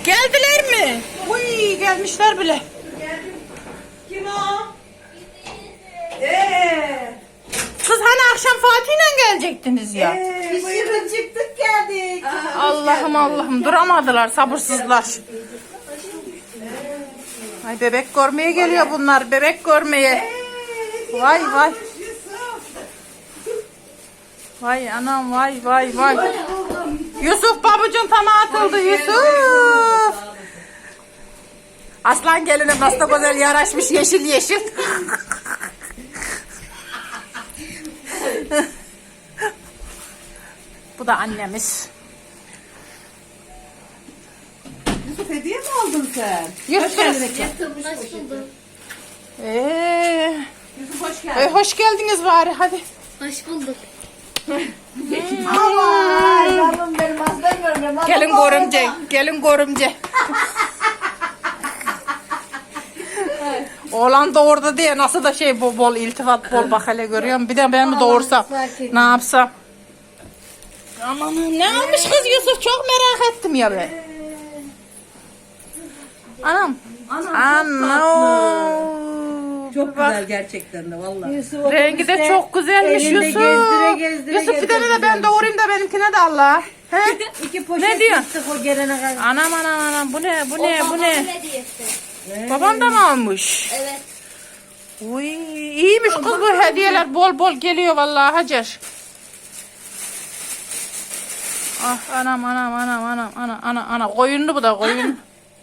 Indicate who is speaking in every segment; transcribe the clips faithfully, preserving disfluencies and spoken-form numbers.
Speaker 1: Geldiler mi? Uy gelmişler bile.
Speaker 2: Kim o? Eee.
Speaker 1: Kız hani akşam Fatih'le gelecektiniz ya.
Speaker 2: Ee, biz şimdi çıktık geldik.
Speaker 1: Allah'ım Allah'ım duramadılar sabırsızlar. Ay bebek görmeye geliyor bunlar bebek görmeye. Vay vay. Vay anam vay vay vay. Yusuf babucun tama atıldı Yusuf. Aslan gelinim nasıl da güzel yaraşmış yeşil yeşil. Bu da annemiz.
Speaker 2: Yusuf hediye mi aldın sen?
Speaker 1: Yusuf.
Speaker 3: Hoş bulduk.
Speaker 1: Ee,
Speaker 2: Yusuf hoş
Speaker 1: e,
Speaker 2: geldin.
Speaker 1: hoş geldiniz bari hadi.
Speaker 3: Hoş bulduk.
Speaker 2: Aman yavrum benim aslan görmüyorum.
Speaker 1: Gelin görümce, gelin görümce. Oğlan doğurdu diye nasıl da şey bol bol iltifat bol bak hele görüyorum. Bir de ben mi doğursam ne yapsam? Aman ne almış kız Yusuf çok merak ettim ya ben. Anam. Anam.
Speaker 2: Çok güzel gerçekten de vallahi.
Speaker 1: Rengi de çok güzelmiş
Speaker 2: elinde
Speaker 1: Yusuf.
Speaker 2: gezdire gezdire
Speaker 1: Yusuf bir tane de
Speaker 2: gezdire
Speaker 1: ben doğurayım da benimkine de Allah. He?
Speaker 2: İki poşet
Speaker 1: Ne diyor?
Speaker 2: yırttık o gelene kadar.
Speaker 1: Anam anam anam bu ne bu ne bu
Speaker 3: Babamın
Speaker 1: ne?
Speaker 3: hediyesi.
Speaker 1: Babam da mı almış?
Speaker 3: Evet.
Speaker 1: Uy iyiymiş kız bu hediyeler bol bol geliyor vallahi Hacer. Ah anam anam anam anam ana ana ana koyunlu bu da koyun.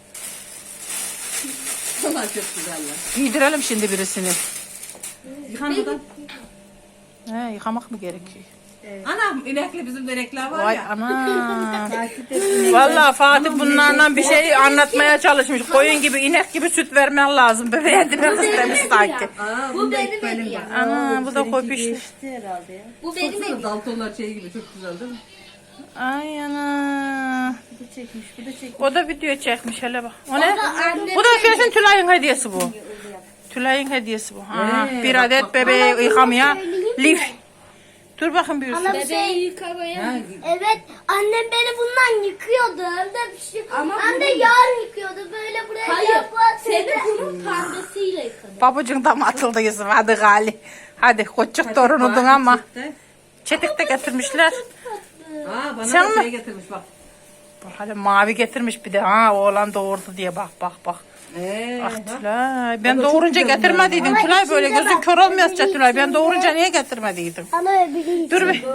Speaker 2: Vallahi çok güzeller.
Speaker 1: Giydirelim şimdi birisini.
Speaker 2: Yıkanmadan.
Speaker 1: He yıkamak mı gerekiyor?
Speaker 2: Anam inekli bizim de inekler var
Speaker 1: Vay
Speaker 2: ya.
Speaker 1: anam. Vallahi Fatih bunlardan bir şey anlatmaya çalışmış. Koyun gibi inek gibi süt vermen lazım. Bebeğe demek istemiş sanki.
Speaker 2: Aa,
Speaker 3: Bu benim hediyem.
Speaker 1: Ana bu da kopuş.
Speaker 2: herhalde ya.
Speaker 3: Bu benim
Speaker 2: Baksana
Speaker 3: hediyem.
Speaker 2: Daltonlar şey gibi çok güzel değil mi?
Speaker 1: Ay ana.
Speaker 2: Bu da çekmiş, bu da çekmiş.
Speaker 1: O da video çekmiş hele bak. O ne?
Speaker 3: da annemin
Speaker 1: Bu da kesin Tülay'ın hediyesi bu. Tülay'ın hediyesi bu. Ha,
Speaker 2: Ee,
Speaker 1: bir
Speaker 2: bak,
Speaker 1: adet
Speaker 2: bak.
Speaker 1: bebeği yıkamaya lif. Dur bakın bir Yusuf.
Speaker 3: Bebeği yıkamaya.
Speaker 2: Ha,
Speaker 4: Evet, annem beni bundan yıkıyordu. Hem de bir şey. Hem de yarın yıkıyordu. Böyle buraya
Speaker 3: Hayır.
Speaker 4: yapar.
Speaker 3: Seni bunun pembesiyle yıkadım.
Speaker 1: Babucun da mı atıldı Yusuf? Hadi Gali. Hadi koçuk torunudun ama. Çetik de getirmişler.
Speaker 2: Aa bana
Speaker 1: Sen
Speaker 2: da
Speaker 1: mi?
Speaker 2: şey getirmiş bak.
Speaker 1: Bak hele mavi getirmiş bir de. Ha oğlan doğurdu diye bak bak bak.
Speaker 2: Ee,
Speaker 1: Ah
Speaker 2: bak.
Speaker 1: Tülay. Ben
Speaker 2: O da çok
Speaker 1: doğurunca
Speaker 2: güzel
Speaker 1: getirmediydin
Speaker 4: bunlar.
Speaker 1: Tülay böyle
Speaker 4: Ama
Speaker 1: gözün
Speaker 4: içinde
Speaker 1: kör
Speaker 4: bak,
Speaker 1: olmayasca
Speaker 4: öbürü
Speaker 1: Tülay. Ben
Speaker 4: içinde.
Speaker 1: doğurunca niye getirmediydin?
Speaker 4: Ama öbürü
Speaker 1: Dur bir.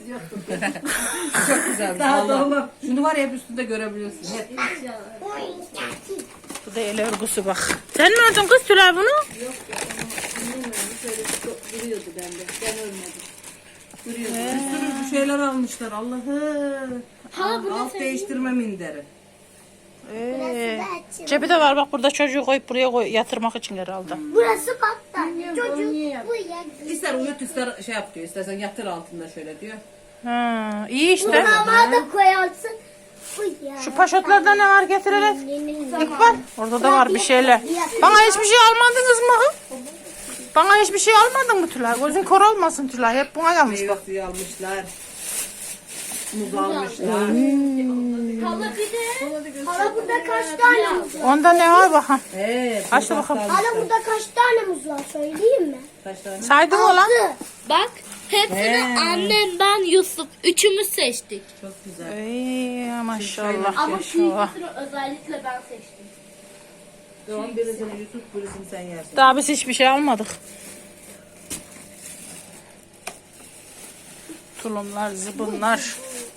Speaker 2: Çok güzel. Daha doğma. Şunu var ya hep üstünde görebiliyorsun. Hep.
Speaker 1: Bu da el örgüsü bak. Sen mi ördün kız Tülay bunu?
Speaker 2: Duruyordu bende. Ben ölmedim. Duruyordu. Bir sürü bir şeyler almışlar. Allah'ım.
Speaker 3: Hala bunu
Speaker 2: Alt değiştirme minderi.
Speaker 1: Ee, cebi de var bak burada çocuğu koyup buraya koy, yatırmak için herhalde.
Speaker 4: Burası battaniye. Çocuk bu ya.
Speaker 2: İster uyut ister şey yap diyor. İstersen yatır altında şöyle diyor.
Speaker 1: Ha, iyi işte.
Speaker 4: Mama da koyarsın. Bu ya.
Speaker 1: Şu paşotlarda ne var getirelim. İlk var. Orada da var bir şeyler. Bana hiçbir şey almadınız mı? Bana hiçbir şey almadın mı Tülay? Gözün kör olmasın Tülay. Hep buna gelmiş
Speaker 2: Meyve
Speaker 1: bak.
Speaker 2: suyu almışlar. Muz almışlar.
Speaker 3: Hala bir de.
Speaker 4: Hala burada kaç tane muz var?
Speaker 1: Onda ne var bakalım.
Speaker 2: Ee,
Speaker 1: Aç da
Speaker 2: muz
Speaker 1: bakalım.
Speaker 2: almışlar.
Speaker 4: Hala burada kaç tane muz var söyleyeyim mi?
Speaker 2: Kaç tane?
Speaker 1: Saydın mı lan?
Speaker 4: Altı.
Speaker 3: Bak. Hepsini annem, ben, Yusuf. Üçümüz seçtik.
Speaker 2: Çok güzel.
Speaker 1: Ey maşallah.
Speaker 3: Ama
Speaker 1: maşallah.
Speaker 3: büyük özellikle ben seçtim.
Speaker 2: Tamam birisini Yusuf birisini sen yersin.
Speaker 1: Daha biz hiçbir şey almadık. Tulumlar, zıbınlar.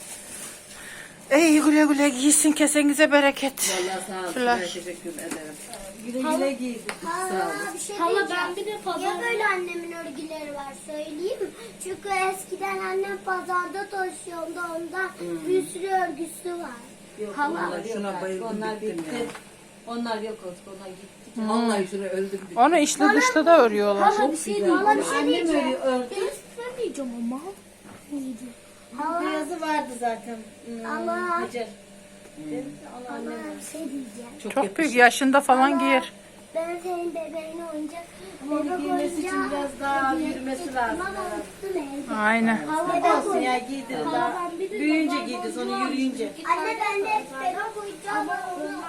Speaker 1: Ey güle güle giysin kesenize bereket.
Speaker 2: Vallahi sağ ol.
Speaker 1: Tülay.
Speaker 2: Ben teşekkür ederim. Güle güle giydik. Sağ ol.
Speaker 4: Aa, bir şey
Speaker 3: Hala
Speaker 4: diyeceğim.
Speaker 3: ben bir de
Speaker 4: Ya
Speaker 3: pazar.
Speaker 4: böyle annemin örgüleri var söyleyeyim mi? Çünkü eskiden annem pazarda taşıyordu ondan bir sürü örgüsü var.
Speaker 2: Vallahi şuna bayıldım bittim ya.
Speaker 5: Onlar yok olsun, onlar gitti.
Speaker 2: Vallahi şuna öldüm bittim.
Speaker 1: Onu içli dışta da örüyorlar.
Speaker 4: Hala bir şey diyeceğim. Hala bir şey
Speaker 5: Annem
Speaker 4: diyeceğim.
Speaker 5: öyle ördü.
Speaker 4: Demeyeceğim ama. Hala,
Speaker 5: Beyazı vardı zaten. Hmm,
Speaker 4: Allah.
Speaker 5: Hacer.
Speaker 4: hala bir şey diyeceğim.
Speaker 1: Çok büyük yaşında falan giyer.
Speaker 4: Ben senin bebeğine oyuncak.
Speaker 5: Onu
Speaker 4: Bebek
Speaker 5: giymesi için
Speaker 4: oyuncağı
Speaker 5: biraz daha
Speaker 4: hediye
Speaker 5: yürümesi
Speaker 4: ettim
Speaker 5: lazım.
Speaker 4: ama unuttum evde.
Speaker 1: Aynen.
Speaker 4: Bebek
Speaker 5: Olsun ya giydir daha. Büyüyünce giydir sonra yürüyünce.
Speaker 4: Anne bende hep bebek oyuncağı var. Onu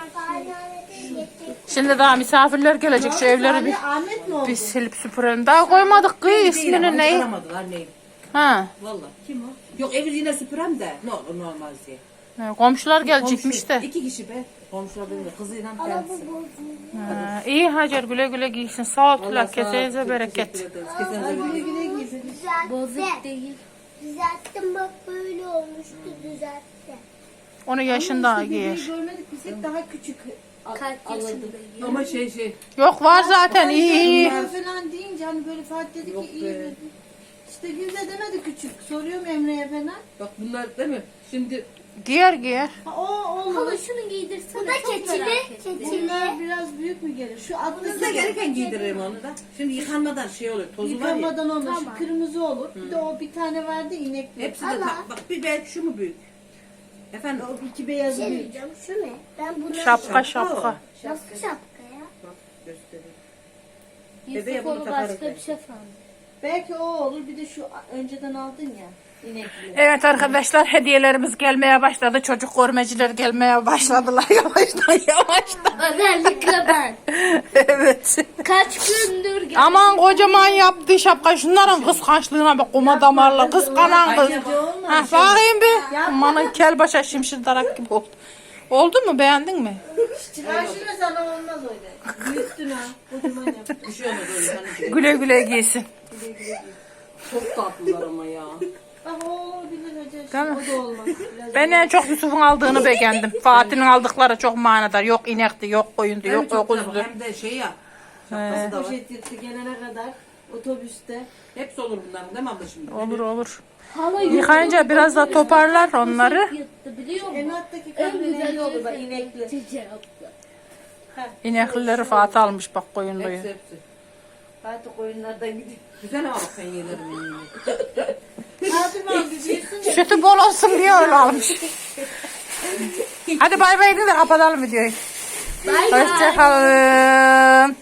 Speaker 4: Anneannede getirdim.
Speaker 1: Şimdi daha misafirler gelecek. Şu evleri bir,
Speaker 2: Ahmet mi oldu?
Speaker 1: bir silip süpürelim. Daha koymadık kız ismini ne?
Speaker 2: Aramadılar neyi?
Speaker 1: Ha.
Speaker 2: Valla. Kim o? Yok evi yine süpürem de. Ne olur normal diye.
Speaker 1: Ha, komşular gelecekmiş de.
Speaker 2: İki kişi be. Komşular benim de kızıyla
Speaker 4: Ama
Speaker 2: kendisi.
Speaker 4: bu bozuldu.
Speaker 1: Ha, iyi Hacer güle güle giysin. Sağ ol Tülay.
Speaker 2: Vallahi sağ ol,
Speaker 1: Kesenize
Speaker 2: çok
Speaker 1: bereket.
Speaker 2: teşekkür ederiz. Kesenize bereket.
Speaker 3: Bozuk
Speaker 4: Düzeltti.
Speaker 3: değil.
Speaker 4: Düzelttim bak böyle olmuştu düzeltti.
Speaker 1: Onu yaşın daha giyer.
Speaker 5: Görmedik biz hep daha küçük
Speaker 3: Kaç yaşındayım?
Speaker 2: Ama şey şey.
Speaker 1: Yok var zaten iyi iyi.
Speaker 5: Ben falan deyince hani böyle Fatih dedi
Speaker 2: Yok
Speaker 5: ki iyi
Speaker 2: be.
Speaker 5: dedi. İşte Gülde demedi küçük. Soruyorum Emre'ye falan.
Speaker 2: Bak bunlar değil mi? Şimdi
Speaker 1: Giyer giyer.
Speaker 5: Ha, o olur.
Speaker 3: Hala şunu giydirsene.
Speaker 4: Bu da
Speaker 3: çok
Speaker 4: keçili.
Speaker 3: merak ettim.
Speaker 4: Keçili.
Speaker 5: Bunlar biraz büyük mü gelir? Şu atlı
Speaker 2: kızda gereken giydiririm onu da. Şimdi yıkanmadan şey olur. Tozu var ya.
Speaker 5: yıkanmadan olur. Şu kırmızı olur. Bir de o bir tane vardı inekli.
Speaker 2: Hepsi de ta- bak bir ben şu mu büyük? Efendim
Speaker 5: O iki beyaz
Speaker 4: Şey
Speaker 5: büyük.
Speaker 4: diyeceğim şu ne? Ben bunu
Speaker 1: Şapka şapka.
Speaker 4: nasıl şapka ya?
Speaker 2: bak göstereyim. Bebeğe
Speaker 3: Yusuf
Speaker 2: bunu
Speaker 3: onu
Speaker 2: takarız
Speaker 3: başka
Speaker 2: ben.
Speaker 3: bir şey sandım.
Speaker 5: Belki o olur. Bir de şu önceden aldın ya. İnekli.
Speaker 1: Evet arkadaşlar hediyelerimiz gelmeye başladı. Çocuk görmeciler gelmeye başladılar yavaştan yavaştan.
Speaker 3: Özellikle ben.
Speaker 1: Evet.
Speaker 3: Kaç gündür gel-
Speaker 1: Aman kocaman yaptı şapka. Şunların kıskançlığına bak kuma damarla. Kıskanan kız. Ha, bakayım bir. Amanın kel başa şimşir darak gibi oldu. Oldu mu beğendin mi?
Speaker 5: Karşına sana olmaz öyle. Büyüttün ha. Kocaman yaptın.
Speaker 2: Bir şey olmaz öyle. Hani
Speaker 1: Güle güle giysin.
Speaker 2: çok tatlılar ama ya.
Speaker 5: Bak o olabilir hacı.
Speaker 1: Değil mi?
Speaker 5: O da olmaz. Biraz
Speaker 1: Ben en çok Yusuf'un aldığını beğendim. Fatih'in aldıkları çok manadar. Yok inekti, yok koyundu,
Speaker 2: Hem
Speaker 1: yok
Speaker 2: çok güzel
Speaker 1: öküzdü.
Speaker 2: hem de şey ya. Şapkası da var.
Speaker 5: poşet yırtı gelene kadar otobüste.
Speaker 2: Hepsi olur bunların değil mi abla şimdi?
Speaker 1: Olur olur.
Speaker 3: Hala
Speaker 1: Yıkayınca biraz da toparlar onları.
Speaker 3: yırttı biliyor musun?
Speaker 5: Enattaki
Speaker 3: En
Speaker 5: kahverengi
Speaker 3: güzel
Speaker 5: olur bak inekli.
Speaker 3: Çiçeği yaptı.
Speaker 1: İneklileri Fatih almış bak koyunluyu.
Speaker 2: Hepsi hepsi.
Speaker 5: Fatih koyunlardan gidiyor.
Speaker 2: Güzel ama bak sen yelerim yemeğini.
Speaker 5: Fatih abi büyüsün de.
Speaker 1: Sütü bol olsun diye öyle almış. Hadi bay bay edin de kapatalım videoyu.
Speaker 3: Bay bay.
Speaker 1: Hoşçakalın.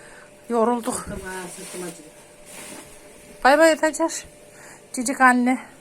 Speaker 1: Yorulduk.
Speaker 2: Tamam sırtım acıdı.
Speaker 1: Bay bay Hacer. Cicik anne.